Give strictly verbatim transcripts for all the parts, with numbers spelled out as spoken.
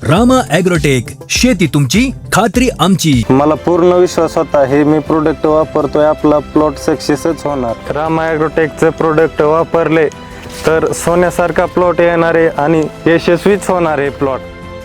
Rama agrotech, शेती तुमची खात्री आमची. मला पूर्ण विश्वास होता हे मी प्रोडक्ट वापरतोय आपला प्लॉट सक्सेसच होणार. रामा ॲग्रोटेकचं प्रोडक्ट वापरले तर सोन्यासारखा प्लॉट येणार आहे आणि यशस्वीच होणार आहे प्लॉट.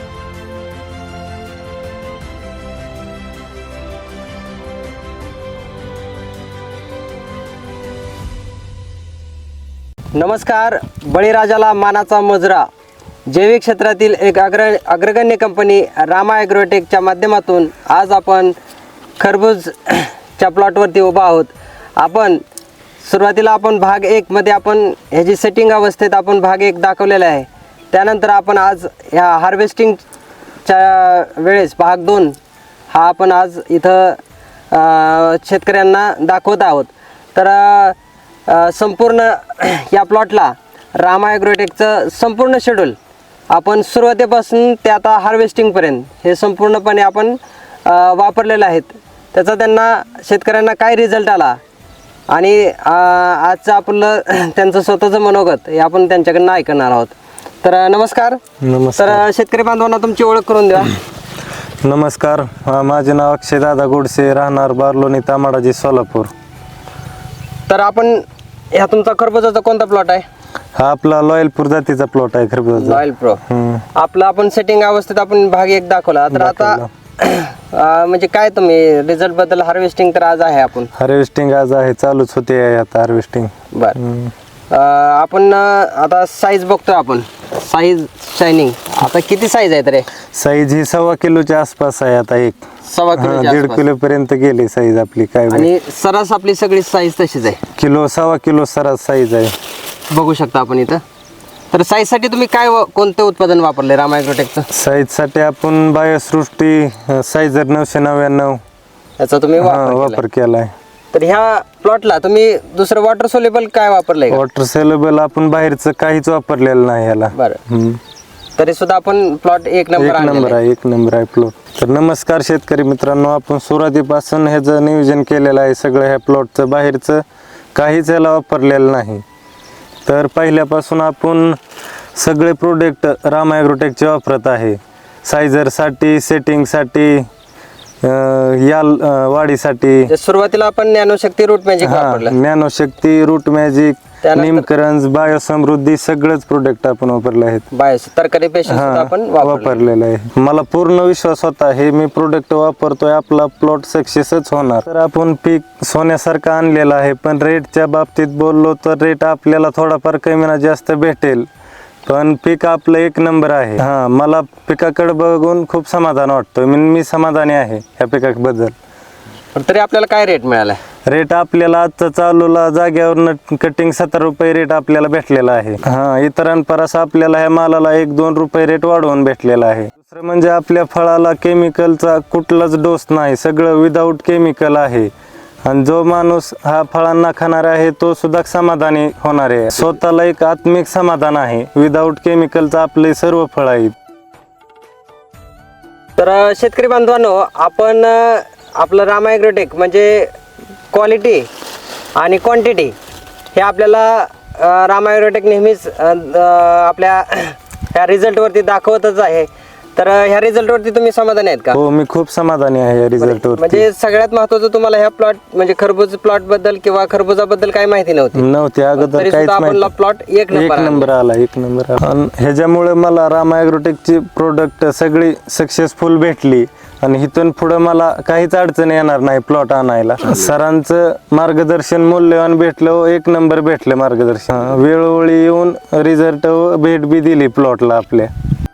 नमस्कार. बळीराजाला मानाचा मुजरा जैविक क्षेत्रातील एक अग्र अग्रगण्य कंपनी रामा ॲग्रोटेकच्या माध्यमातून आज आपण खरबूजच्या प्लॉटवरती उभा आहोत. आपण सुरुवातीला आपण भाग एकमध्ये आपण ह्याची सेटिंग अवस्थेत आपण भाग एक दाखवलेला आहे. त्यानंतर आपण आज ह्या हार्वेस्टिंगच्या वेळेस भाग दोन हा आपण आज इथं शेतकऱ्यांना दाखवत आहोत. तर संपूर्ण या प्लॉटला रामा ॲग्रोटेकचं संपूर्ण शेड्यूल आपण सुरुवातीपासून ते आता हार्वेस्टिंगपर्यंत हे संपूर्णपणे आपण वापरलेलं आहेत. त्याचा त्यांना शेतकऱ्यांना काय रिझल्ट आला आणि आजचं आपलं त्यांचं स्वतःचं मनोगत हे आपण त्यांच्याकडनं ऐकणार आहोत. तर नमस्कार. नमस्कार. तर शेतकरी बांधवांना तुमची ओळख करून द्या. नमस्कार, माझे नाव अक्षय दादा गोडसे, राहणार बारलोणी, तामाडाजी, सोलापूर. तर आपण ह्या तुमचा खरबुजाचा कोणता प्लॉट आहे? हा आपला लॉयलपूर जातीचा प्लॉट आहे खरबूजाचा. Loyal pro. आपला आपण सेटिंग अवस्थेत आपण भाग एक दाखवला. तर आता म्हणजे काय तुम्ही रिझल्ट बद्दल हार्वेस्टिंग तर आज आहे आपण हार्वेस्टिंग आज आहे, चालूच होते आहे आता हार्वेस्टिंग. बर. आपण आता साईज बघतोय आपण साईज शायनिंग आता किती साईज आहे तरी? साईज ही सव्वा किलोच्या आसपास आहे आता. एक सव्वा किलो दीड किलो पर्यंत गेली साईज आपली. काय आणि सरास आपली सगळी साईज तशीच आहे. किलो सव्वा किलो सरास साईज आहे, बघू शकता आपण इथं. तर साईज साठी तुम्ही काय कोणतं उत्पादन वापरले रामा ॲग्रोटेकचं? साईज साठी आपण बायोसृष्टी साईजर नऊशे नव्याण्णव याचा तुम्ही वापर केलाय. तर ह्या प्लॉटला तुम्ही दुसरं वॉटर सोल्युबल काय वापरलंय? वॉटर सेलेबल आपण बाहेरचं काहीच वापरलेलं नाही याला. बरं. तरी सुद्धा आपण प्लॉट एक नंबर एक नंबर आहे एक नंबर आहे प्लॉट. तर नमस्कार शेतकरी मित्रांनो, आपण सुरुवातीपासून ह्याचं नियोजन केलेलं आहे सगळं. ह्या प्लॉटचं बाहेरचं काहीच याला वापरलेलं नाही. तर पहिल्यापासून आपण सगळे प्रोडक्ट रामा ॲग्रोटेकचे वापरत आहे. सायझरसाठी, सेटिंगसाठी, याल वाढीसाठी. सुरुवातीला आपण नॅनोशक्ती रूट मॅजिक वापरलं. नॅनोशक्ती, रूट मॅजिक, निमकरंज, बायोसमृद्धी सगळेच प्रोडक्ट आपण वापरले आहेत. बायोस तरकारी पेशंट आपण वापरलेलं आहे. मला पूर्ण विश्वास होता हे मी प्रोडक्ट वापरतोय आपला प्लॉट सक्सेसच होणार. तर आपण पीक सोन्यासारखं आणलेलं आहे, पण रेटच्या बाबतीत बोललो तर रेट आपल्याला थोडाफार कमी ना जास्त भेटेल, पण पीक आपलं एक नंबर आहे. हा, मला पिकाकडे बघून खूप समाधान वाटतं. मी मी समाधानी आहे ह्या पिकाबद्दल. तरी आपल्याला काय रेट मिळाला? रेट आपल्याला आजचा चालूला जाग्यावर कटिंग सत्तर रुपये रेट आपल्याला भेटलेला आहे. हा, इतरांपरास आपल्याला ह्या मालाला एक दोन रुपये रेट वाढवून भेटलेला आहे. दुसरं म्हणजे आपल्या फळाला केमिकलचा कुठलाच डोस नाही, सगळं विदाऊट केमिकल आहे. आणि जो माणूस हा फळांना खाणार आहे तो सुद्धा समाधानी होणार आहे. स्वतःला एक आत्मिक समाधान आहे. विदाऊट केमिकलचं आपले सर्व फळ आहेत. तर शेतकरी बांधवांनो, आपण आपलं रामा ॲग्रोटेक म्हणजे क्वालिटी आणि क्वांटिटी हे आपल्याला रामा ॲग्रोटेक नेहमीच आपल्या ह्या रिझल्टवरती दाखवतच आहे. तर ह्या रिझल्टवरती तुम्ही समाधानी आहेत का? हो, मी खूप समाधानी आहे या रिझल्टवर. म्हणजे सगळ्यात महत्त्वाचं तुम्हाला ह्या प्लॉट म्हणजे खरबूज प्लॉट बद्दल किंवा खरबुजाबद्दल काही माहिती नव्हती नव्हती अगोदर काहीच माहिती. प्लॉट एक नंबर आला एक नंबर आला. ह्याच्यामुळे मला रामा ॲग्रोटेकची प्रोडक्ट सगळी सक्सेसफुल भेटली आणि इथून पुढे मला काहीच अडचण येणार नाही प्लॉट आणायला. सरांचं मार्गदर्शन मूल्यवान भेटलं, एक नंबर भेटलं मार्गदर्शन. वेळोवेळी येऊन रिझल्ट भेट बी दिली प्लॉटला आपल्या.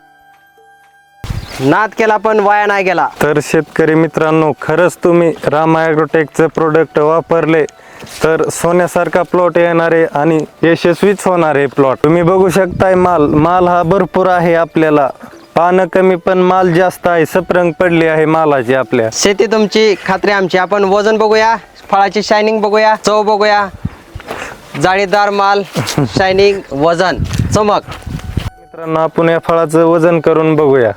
नाद केला पण वाया नाही गेला. तर शेतकरी मित्रांनो, खरंच तुम्ही रामा ॲग्रोटेकचं प्रोडक्ट वापरले तर सोन्यासारखा प्लॉट येणार आहे आणि यशस्वीच होणार आहे प्लॉट. तुम्ही बघू शकताय माल माल हा भरपूर आहे. आपल्याला पानं कमी पण माल जास्त आहे. सपरंग पडली आहे मालाची. आपल्या शेती तुमची खात्री आमची. आपण वजन बघूया, फळाची शायनिंग बघूया, चव बघूया, जाळीदार माल, शायनिंग, वजन, चमक. मित्रांनो, आपण या फळाचं वजन करून बघूया.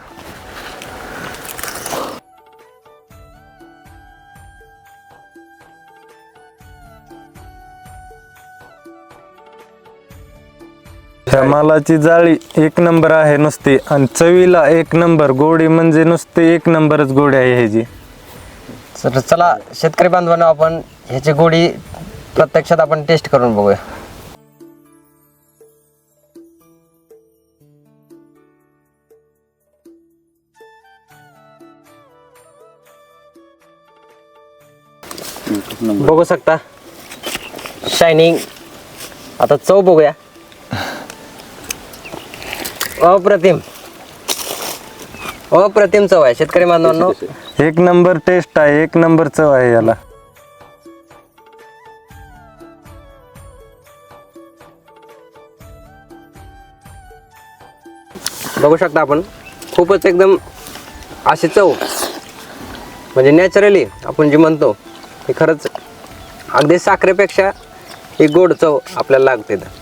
ह्या मालाची जाळी एक नंबर आहे नुसती आणि चवीला एक नंबर, गोडी म्हणजे नुसती एक नंबरच गोडी आहे ह्याची. तर चला शेतकरी बांधवांनो, आपण ह्याची गोडी प्रत्यक्षात आपण टेस्ट करून बघूया. बघू शकता शायनिंग. आता चव बघूया. अप्रतिम अप्रतिम चव आहे शेतकरी बांधवांनो. एक नंबर टेस्ट आहे, एक नंबर चव आहे याला. बघू शकता आपण, खूपच एकदम अशी चव म्हणजे नॅचरली आपण जे म्हणतो हे खरंच अगदी साखरेपेक्षा ही गोड चव आपल्याला लागते.